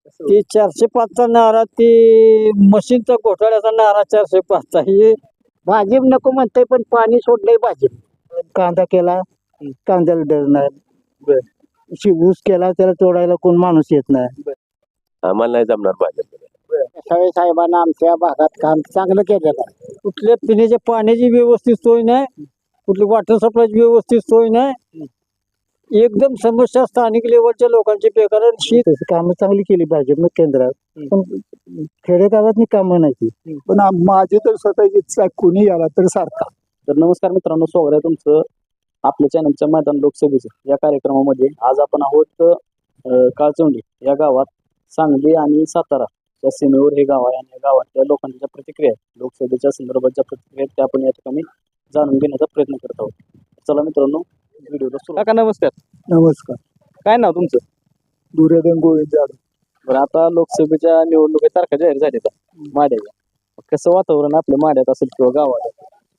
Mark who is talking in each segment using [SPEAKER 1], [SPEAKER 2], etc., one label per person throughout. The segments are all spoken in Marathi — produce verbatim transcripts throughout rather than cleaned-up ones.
[SPEAKER 1] ती चारशे पाचचा नारा ती मशीनचा घोटाळ्याचा नारा चारशे पाचचा हे भाजप नको म्हणते पण पाणी सोडलंय भाजप कांदा केला कांद्याला डर नाही शी ऊस केला त्याला तोडायला कोण माणूस येत नाही
[SPEAKER 2] आम्हाला नाही जमणार भाजप.
[SPEAKER 1] सगळे साहेबांना आमच्या भागात काम चांगलं केलेलं आहे. कुठल्या पिण्याच्या पाण्याची व्यवस्थित सोय नाही, कुठली वॉटर सप्लायची व्यवस्थित सोय नाही. एकदम समस्या स्थानिक लेवलच्या लोकांची बेकार शीत कामं चांगली केली पाहिजे मग केंद्रात, पण खेडेगावात कामं नाही ती.
[SPEAKER 3] पण आम- माझी तर स्वतःची इच्छा आहे, कोणी याला तर सारखा.
[SPEAKER 4] तर नमस्कार मित्रांनो, स्वागत आहे तुमचं आपल्या चॅनलच्या मैदान लोकसभेचं या कार्यक्रमामध्ये. आज आपण आहोत अं, काळचोंडी या गावात. सांगली आणि सातारा या सीमेवर हे गाव आहे आणि या गावातल्या लोकांच्या ज्या प्रतिक्रिया आहेत, लोकसभेच्या संदर्भात ज्या प्रतिक्रिया आहेत, त्या आपण या ठिकाणी जाणून घेण्याचा प्रयत्न करत आहोत. चला मित्रांनो, व्हिडिओला सुरू. काका नमस्कार.
[SPEAKER 3] नमस्कार.
[SPEAKER 4] काय नाव तुमचं?
[SPEAKER 3] दुर्योधन गोविंद जाधव.
[SPEAKER 4] बरं, आता लोकसभेच्या निवडणुकीत तारखा जाहीर झाल्या माड्याच्या. कसं वातावरण आपल्या माड्यात असेल किंवा गावात?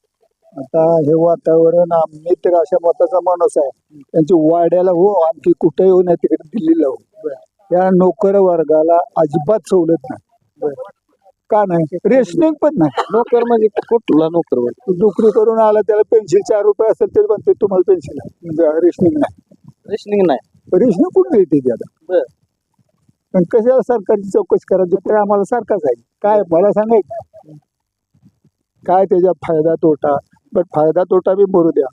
[SPEAKER 3] आता हे वातावरण आम्ही तर अशा मताचा माणूस आहे, त्यांची वाड्याला हो आणखी कुठे येऊ नाही तिकडे दिल्लीला हो. या नोकर वर्गाला अजिबात सवलत नाही. का नाही? रेशनिंग पण नाही.
[SPEAKER 4] नोकर म्हणजे कुठला नोकर?
[SPEAKER 3] नोकरी करून आला त्याला पेन्शन चार रुपये असेल तरी म्हणते तुम्हाला पेन्शन आहे, रेशनिंग नाही.
[SPEAKER 4] रेशनिंग नाही.
[SPEAKER 3] रेशनिंग कुठे येते त्याला?
[SPEAKER 4] बरं.
[SPEAKER 3] पण कशाला सरकारची चौकशी करायची? तर आम्हाला सारखाच आहे. काय मला सांगायचं काय त्याचा फायदा तोटा? पण फायदा तोटा बी भरू द्या,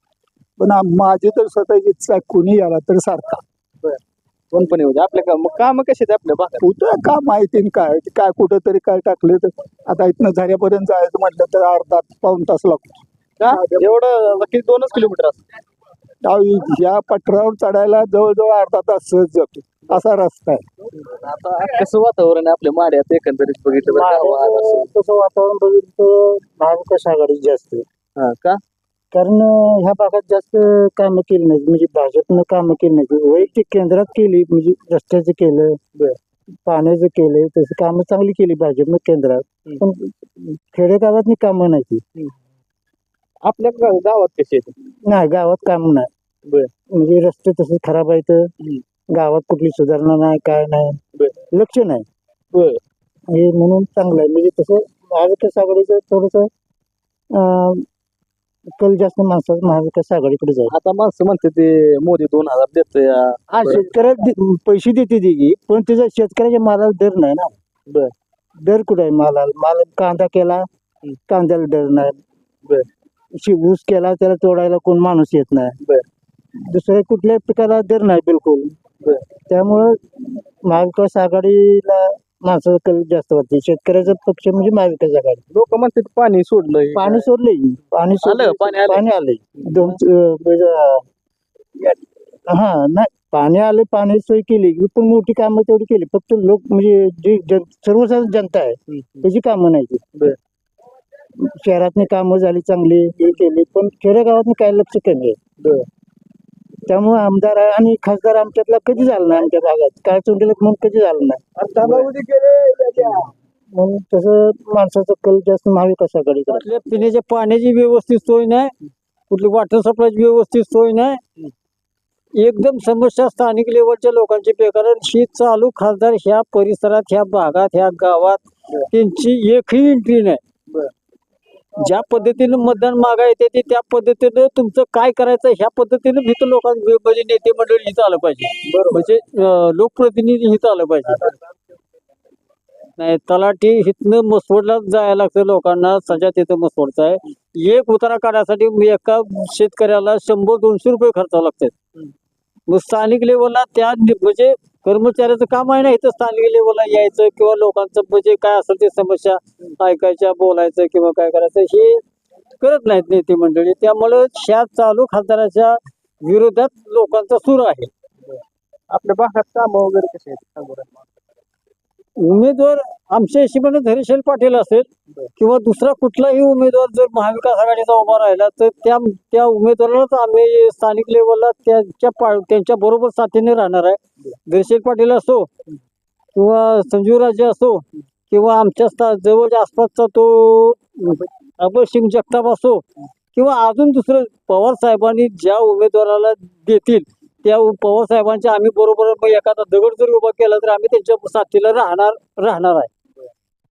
[SPEAKER 3] पण आम- माझी तर स्वतःची इच्छा आहे, कोणी याला तर सारखा.
[SPEAKER 4] कोण पण येऊ दे आपल्या काम काम कसे आपल्या भागात?
[SPEAKER 3] कुठं का माहिती काय काय कुठं तरी काय टाकलं तर आता इथनं झऱ्यापर्यंत जायचं म्हटलं तर अर्धा पाऊण तास लागतो.
[SPEAKER 4] का एवढं किती? दोनच किलोमीटर असतं.
[SPEAKER 3] त्या- या पठारावर चढायला जवळजवळ अर्धा तास सहज जातो, असा रस्ता आहे.
[SPEAKER 4] आता कसं वातावरण आहे आपल्या माड्यात एकंदरीत बघितलं तर गावात असेल?
[SPEAKER 1] तसं वातावरण बघितलं महाविकास आघाडी जास्त आहे.
[SPEAKER 4] हा का?
[SPEAKER 1] कारण अं, ह्या भागात जास्त कामं केली नाही, म्हणजे भाजपनं कामं केली नाही. वैयक्तिक केंद्रात केली, म्हणजे रस्त्याचं केलं, पाण्याचं केलं, तसं कामं चांगली केली भाजपनं केंद्रात, पण खेडेगावात कामं नाही ती.
[SPEAKER 4] आपल्या गा- गावात कसे येते?
[SPEAKER 1] नाही गावात काम नाही.
[SPEAKER 4] बर.
[SPEAKER 1] म्हणजे रस्ते तसे खराब आहेत, गावात कुठली सुधारणा नाही, काय नाही, लक्ष नाही.
[SPEAKER 4] बर.
[SPEAKER 1] हे म्हणून चांगलं आहे. म्हणजे तसं महाविकास आघाडीचं थोडस कल जास्त माणसाचं महाविकास आघाडीकडे जाईल.
[SPEAKER 4] आता माणसं म्हणते ते मोदी दोन हजार देतोय.
[SPEAKER 1] हा शेतकऱ्याला दे- पैसे देते ती, पण त्याच्या शेतकऱ्याच्या मालाला दर नाही ना.
[SPEAKER 4] बर.
[SPEAKER 1] दर कुठे आहे मालाला? माल कांदा केला कांद्याला दर नाही,
[SPEAKER 4] बर.
[SPEAKER 1] शी ऊस केला त्याला तोडायला कोण माणूस येत नाही.
[SPEAKER 4] बर.
[SPEAKER 1] दुसऱ्या कुठल्या पिकाला दर नाही बिलकुल.
[SPEAKER 4] बर.
[SPEAKER 1] त्यामुळं महाविकास आघाडीला माणसाचा कल जास्त वाटते. शेतकऱ्याचा पक्ष म्हणजे महाविकास आघाडी.
[SPEAKER 4] लोक म्हणतात पाणी सोडलंय.
[SPEAKER 1] पाणी सोडले पाणी सोडलंय,
[SPEAKER 4] आलं, पाणी आलंय.
[SPEAKER 1] पाणी आले दोन अं, म्हणजे, हा नाही पाणी आले, पाणी सोय केली, पण मोठी कामं तेवढी केली. फक्त लोक म्हणजे जी जन सर्वसाधारण जनता आहे त्याची कामं नाही ती. शहरातनी कामं झाली चांगली हे केली, पण खेडेगावात काय लक्ष कमी आहे. त्यामुळे आमदार आणि खासदार आमच्यातला कधी झाला नाही. आमच्या भागात काय चोंडीला म्हणून कधी झालं नाही. म्हणून तसं माणसाचं कल जास्त महाविकास आघाडीकडे. कुठल्या पिण्याच्या पाण्याची व्यवस्थित सोय नाही, कुठली वॉटर सप्लायची व्यवस्थित सोय नाही. एकदम समस्या स्थानिक लेवलच्या लोकांची बेकार शी चालू खासदार ह्या परिसरात, ह्या भागात, ह्या गावात त्यांची एकही एंट्री नाही. ज्या पद्धतीनं मतदान मागा येते ते त्या पद्धतीनं तुमचं काय करायचं ह्या पद्धतीनं हित लोकांना म्हणजे नेते मंडळी हित आलं पाहिजे. म्हणजे अं, लोकप्रतिनिधी हित आलं पाहिजे. नाही तलाठी हितनं मसवडला जायला लागतं लोकांना. सध्या तिथं मसवडचा आहे. एक उतारा काढण्यासाठी एका शेतकऱ्याला शंभर दोनशे रुपये खर्चावं लागतात. मग स्थानिक लेवलला त्या नि- म्हणजे कर्मचाऱ्याचं काम आहे ना इथं स्थानिक लेवलला यायचं किंवा लोकांचं म्हणजे काय असेल ते समस्या ऐकायच्या, बोलायचं किंवा काय करायचं हे करत नाहीत नेते मंडळी. त्यामुळं ह्या चालू खासदाराच्या विरोधात लोकांचा सूर आहे.
[SPEAKER 4] आपल्या भागात काम वगैरे कसे आहेत?
[SPEAKER 1] उमेदवार आमच्या हिशोबाने धैर्यशील पाटील असेल किंवा दुसरा कुठलाही उमेदवार जर महाविकास आघाडीचा उभा राहिला तर त्या त्या उमेदवारालाच आम्ही स्थानिक लेवलला त्यांच्या पा त्यांच्या बरोबर साथीने राहणार आहे. धैर्यशील पाटील असो किंवा संजीवराजे असो किंवा आमच्या स्था- जवळच्या आसपासचा तो अभय सिंग जगताप असो किंवा अजून दुसरं पवार साहेबांनी ज्या उमेदवाराला देतील त्या पवार साहेबांच्या आम्ही बरोबर मग एखादा दगड जरी उभा केला तर आम्ही त्यांच्या साथीला राहणार राहणार आहे.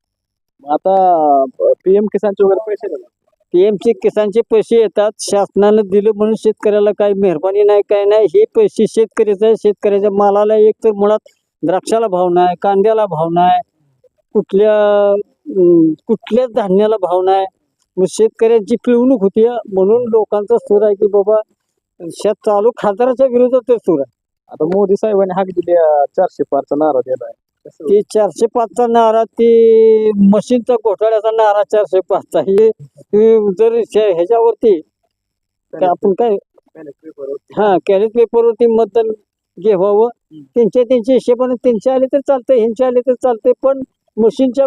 [SPEAKER 4] मग आता पीएम किसानचे वगैरे पैसे देतात.
[SPEAKER 1] पीएमचे किसानचे पैसे येतात, शासनानं दिलं म्हणून शेतकऱ्याला काही मेहरबानी नाही, काय नाही. हे पैसे शेतकऱ्याचं आहे. शेतकऱ्याच्या मालाला एक तर मुळात द्राक्षाला भाव नाही, कांद्याला भाव नाही, कुठल्या अं, कुठल्याच धान्याला भाव नाही. मग शेतकऱ्यांची पिळवणूक होती, म्हणून लोकांचा सूर आहे की बाबा शेत चालू खासदाराच्या विरोधात ते सूर आहे.
[SPEAKER 4] आता मोदी साहेबांनी हाक दिली अं, चारशे पारचा नारा दिलाय.
[SPEAKER 1] ते चारशे पाचचा नारा, ते मशीनचा घोटाळ्याचा नारा चारशे पाचचा, हे हे जर शे- ह्याच्यावरती काय आपण काय हा कॅरेट पेपरवरती मतदान घ्यावं, त्यांच्या त्यांच्या हिशेबाने त्यांचे आले तर चालतंय, ह्यांचे आले तर चालतंय. पण मशीनच्या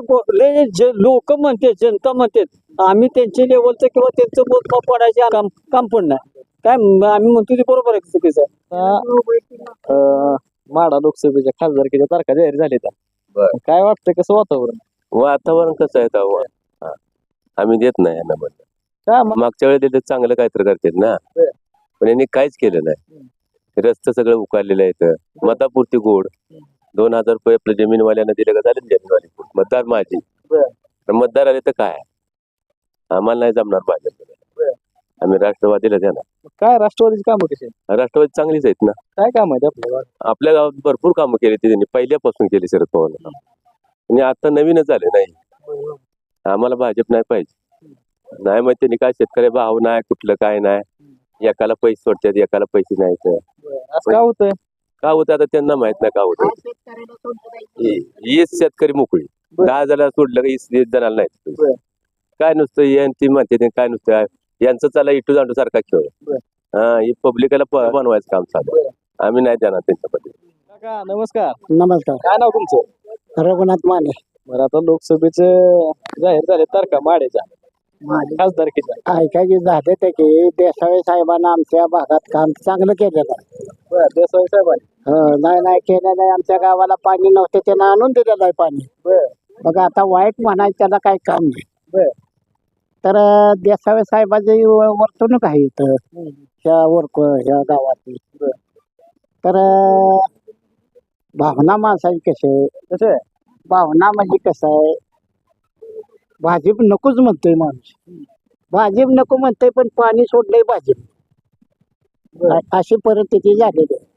[SPEAKER 1] लोक म्हणते, जनता म्हणते आम्ही त्यांच्या लेवलचं किंवा त्यांचं मोजमाप पडायचे काम काम पण नाही. काय म- आम्ही म्हणतो ते बरोबर आहे, चुकीचं आहे.
[SPEAKER 4] अं, माढा लोकसभेच्या खासदारकीच्या तारखा जाहीर झाल्या.
[SPEAKER 2] बरं.
[SPEAKER 4] काय वाटतं कसं वातावरण?
[SPEAKER 2] वातावरण कसं आहे तेव्हा? हा. आम्ही देत नाही यांना मत.
[SPEAKER 4] काय मग?
[SPEAKER 2] मागच्या वेळेस दिलं चांगलं काहीतरी करतात ना,
[SPEAKER 4] बरं.
[SPEAKER 2] पण यांनी काहीच केलं नाही. रस्ते सगळं उकारलेलं आहे. मतापुरती गोड दोन हजार रुपये आपल्या जमीनवाल्यांना दिले का झाले ना जमीनवाले मतदार माझी.
[SPEAKER 4] बरं.
[SPEAKER 2] पण मतदार आले तर काय, आम्हाला नाही जमणार भाजप.
[SPEAKER 4] बरं.
[SPEAKER 2] आम्ही राष्ट्रवादीला देणार.
[SPEAKER 4] काय राष्ट्रवादीची कामं कशी आहेत?
[SPEAKER 2] राष्ट्रवादी चांगलीच आहेत ना.
[SPEAKER 4] काय काम आहेत आपल्या गावात?
[SPEAKER 2] आपल्या गावात भरपूर कामं केली ती त्यांनी पहिल्यापासून केली शरद पवार आणि आता नवीनच झाले नाही. आम्हाला भाजप नाही पाहिजे. नाही मग त्यांनी काय शेतकरी भाव नाही, कुठलं काय नाही. एकाला पैसे सोडतात, एकाला पैसे नाही. तर
[SPEAKER 4] असं काय होतंय?
[SPEAKER 2] का होतं आता त्यांना माहित नाही का होतं. हीच शेतकरी मोकळी.
[SPEAKER 4] बरं.
[SPEAKER 2] दहा जणांना सोडलं का वीस वीस जणांना नाही.
[SPEAKER 4] बरं.
[SPEAKER 2] काय नुसतं हे आणि ती म्हणते ते काय नुसतं यांचं चाला इटू जांडू सारखा खेळ.
[SPEAKER 4] बरं.
[SPEAKER 2] हा ही पब्लिकला बनवायचं काम चालू आहे. आम्ही नाही देणार त्यांच्यामध्ये.
[SPEAKER 4] काका नमस्कार.
[SPEAKER 1] नमस्कार.
[SPEAKER 4] काय नाव तुमचं?
[SPEAKER 1] रघुनाथ माने.
[SPEAKER 4] बरं, आता लोकसभेचे जाहीर झाले तारखा माड्याच्या खासदारकीच्या.
[SPEAKER 1] ऐका की झाले ते की देसाई साहेबांना आमच्या भागात काम चांगलं केलेलं आहे.
[SPEAKER 4] बरं, देसाई साहेबांनी.
[SPEAKER 1] हो, नाही नाही केलं नाही. आमच्या गावाला पाणी नव्हते, त्यानं आणून दिलेलं आहे पाणी.
[SPEAKER 4] बरं.
[SPEAKER 1] बघ आता वाईट म्हणायचं त्याला काही काम नाही.
[SPEAKER 4] बरं.
[SPEAKER 1] तर अं, देसाई साहेबाची व- वर्तणूक आहे इथं ह्या वर्क ह्या गावातली.
[SPEAKER 4] बरं.
[SPEAKER 1] तर अं, भावना माणसाची कशी आहे,
[SPEAKER 4] कसे आहे?
[SPEAKER 1] भावना म्हणजे कसं आहे, भाजप नकोच म्हणतोय माणूस. भाजप नको म्हणतोय पण पाणी सोडलंय भाजप.
[SPEAKER 4] बरं.
[SPEAKER 1] अ- अशी परिस्थिती झालेली आहे.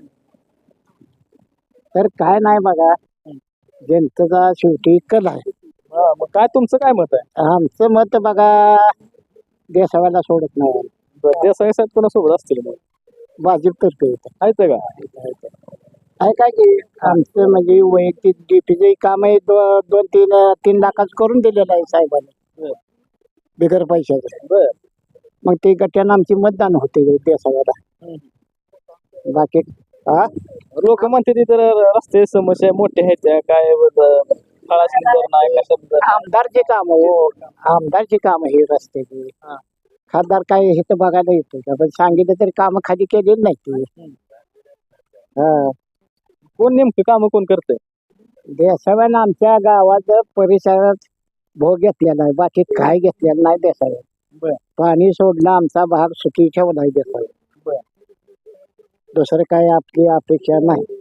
[SPEAKER 1] तर काय नाही बघा, जनतेचा शेवटी कल आहे.
[SPEAKER 4] हा, मग काय तुमचं काय मत आहे?
[SPEAKER 1] आमचं मत बघा, देसाव्याला सोडत नाही.
[SPEAKER 4] बरं, देसाई साहेब कोणासोबत असतील मग?
[SPEAKER 1] भाजप तर्फे येतं.
[SPEAKER 4] आहेत का?
[SPEAKER 1] आहे काय की आमचं म्हणजे वैयक्तिक डीपीचे काम आहे, दो- दोन तीन तीन लाखाच करून दिलेलं आहे साहेबांनी
[SPEAKER 4] बरं.
[SPEAKER 1] बिगर पैशाचं.
[SPEAKER 4] बरं.
[SPEAKER 1] मग ते गट्ट्यानं आमची मतदान होते देसाव्याला. बाकी हा
[SPEAKER 4] लोक म्हणते ते तर रस्ते समस्या मोठे आहेत त्या काय बरं, फळाची दर नाही कशात दर नाही.
[SPEAKER 1] आमदारचे काम हो, आमदारची काम हे रस्त्याची.
[SPEAKER 4] हा.
[SPEAKER 1] खासदार काय हे तर बघायला येतो का, पण सांगितलं तरी काम खाली केलेली नाही ते. हा,
[SPEAKER 4] कोण नेमकं काम कोण करतंय?
[SPEAKER 1] देसाव्यानं आमच्या गावात परिसरात भोग घेतलेला आहे, बाकी काय घेतलेलं नाही देसाव्या.
[SPEAKER 4] बरं.
[SPEAKER 1] पाणी सोडणं आमचा भाग सुखी ठेवला आहे देसाव्या.
[SPEAKER 4] बरं.
[SPEAKER 1] दुसरं काय आपली अपेक्षा नाही.